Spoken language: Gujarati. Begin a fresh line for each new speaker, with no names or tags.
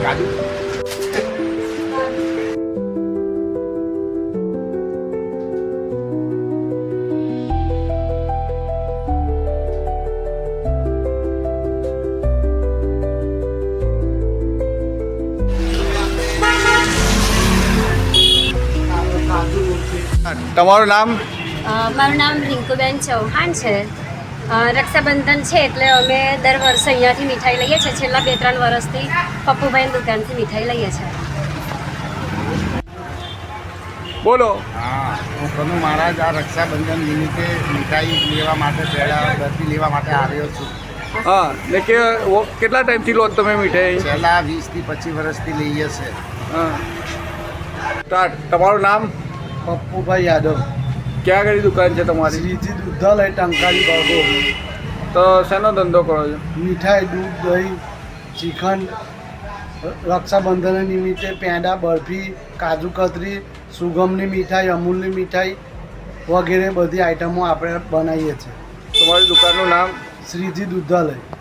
કાજુ તમારું નામ?
મારું નામ રિંકુબેન ચૌહાણ છે. રક્ષાબંધન છે એટલે અમે દર વર્ષે અહીંયાથી મીઠાઈ લઈએ છીએ. છેલ્લા 2-3 વર્ષથી પપ્પુભાઈની દુકાનથી મીઠાઈ લઈએ છીએ.
બોલો.
હા, હું કનુ મહારાજ આ રક્ષાબંધન નિમિત્તે મીઠાઈ લેવા માટે પહેલાં બરફી લેવા માટે આવ્યો છું.
હા, ને કેટલા ટાઈમથી લો છો તમે મીઠાઈ?
છેલ્લા 20 થી 25 વર્ષથી લઈએ છે.
હા, તમારું નામ?
પપ્પુભાઈ યાદવ.
ક્યાં આગળ દુકાન છે તમારી?
શ્રીજી દુધાલય ટંકારી બાગો.
તો શેનો ધંધો કરો છો?
મીઠાઈ, દૂધ, દહીં, શ્રીખંડ, રક્ષાબંધન નિમિત્તે પેંડા, બરફી, કાજુ કતરી, સુગમની મીઠાઈ, અમૂલની મીઠાઈ વગેરે બધી આઈટમો આપણે બનાવીએ છીએ.
તમારી દુકાનનું નામ?
શ્રીજી દુધાલય.